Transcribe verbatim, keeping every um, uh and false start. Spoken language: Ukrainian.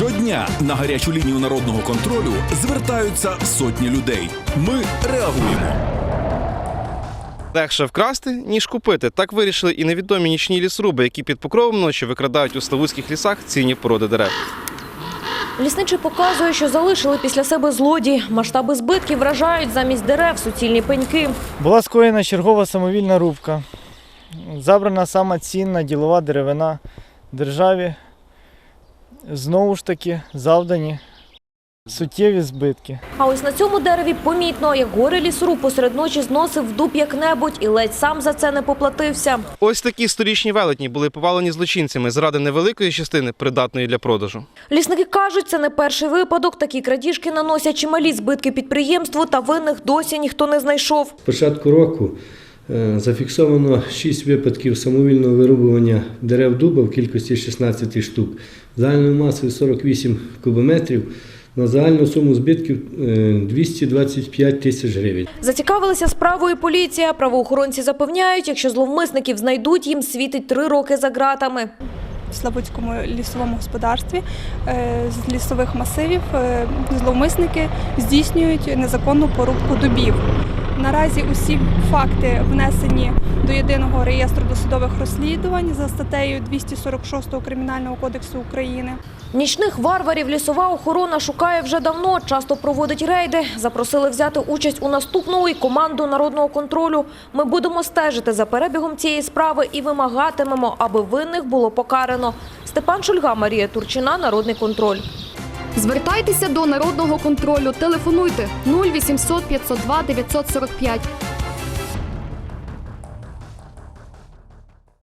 Щодня на гарячу лінію народного контролю звертаються сотні людей. Ми реагуємо. Легше вкрасти, ніж купити. Так вирішили і невідомі нічні лісоруби, які під покровом ночі викрадають у славутських лісах цінні породи дерев. Лісничий показує, що залишили після себе злодії. Масштаби збитків вражають: замість дерев суцільні пеньки. Була скоєна чергова самовільна рубка. Забрана сама цінна ділова деревина державі. Знову ж таки завдані суттєві збитки. А ось на цьому дереві помітно, як горе лісоруб посеред ночі зносив в дуб як-небудь і ледь сам за це не поплатився. Ось такі сторічні велетні були повалені злочинцями заради невеликої частини, придатної для продажу. Лісники кажуть, це не перший випадок. Такі крадіжки наносять чималі збитки підприємству, та винних досі ніхто не знайшов. З початку року зафіксовано шість випадків самовільного вирубування дерев дуба в кількості шістнадцять штук, загальною масою сорок вісім кубометрів, на загальну суму збитків двісті двадцять п'ять тисяч гривень. Зацікавилася справою поліція. Правоохоронці запевняють, якщо зловмисників знайдуть, їм світить три роки за ґратами. В Славутському лісовому господарстві з лісових масивів зловмисники здійснюють незаконну порубку дубів. Наразі усі факти внесені до єдиного реєстру досудових розслідувань за статтею двісті сорок шість Кримінального кодексу України. Нічних варварів лісова охорона шукає вже давно, часто проводить рейди. Запросили взяти участь у наступному і команду народного контролю. Ми будемо стежити за перебігом цієї справи і вимагатимемо, аби винних було покарано. Степан Шульга, Марія Турчина, Народний контроль. Звертайтеся до народного контролю. Телефонуйте нуль вісімсот п'ятсот два дев'ятсот сорок п'ять.